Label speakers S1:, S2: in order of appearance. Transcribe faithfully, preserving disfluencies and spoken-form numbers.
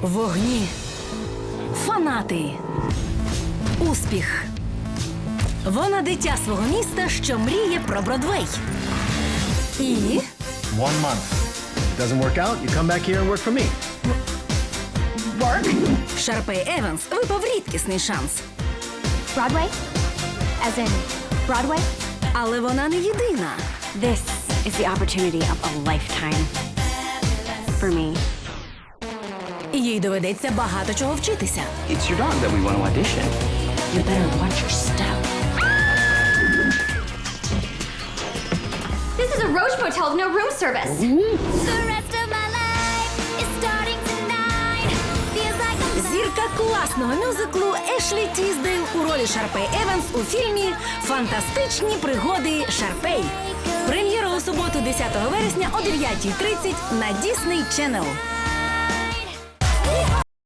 S1: Вогні. Фанати. Успіх. Вона дитя свого міста, що мріє про Бродвей. І
S2: One month. Doesn't work out, you come back here and work for me.
S3: Work?
S1: Шарпей Еванс випав рідкісний шанс.
S3: Broadway? As in Broadway?
S1: Але вона не єдина.
S3: This is the opportunity of a lifetime. For me.
S1: І їй доведеться багато чого вчитися.
S4: It's your dog that we want to audition. You better watch your step.
S3: This is a Roche Motel with no room service.
S5: The rest of my life is starting tonight. Feels like I'm
S1: Зірка класного мюзиклу Ешлі Тіздейл у ролі Шарпей Еванс у фільмі «Фантастичні пригоди Шарпей». Прем'єра у суботу, десятого вересня о дев'ятій тридцять на Disney Channel.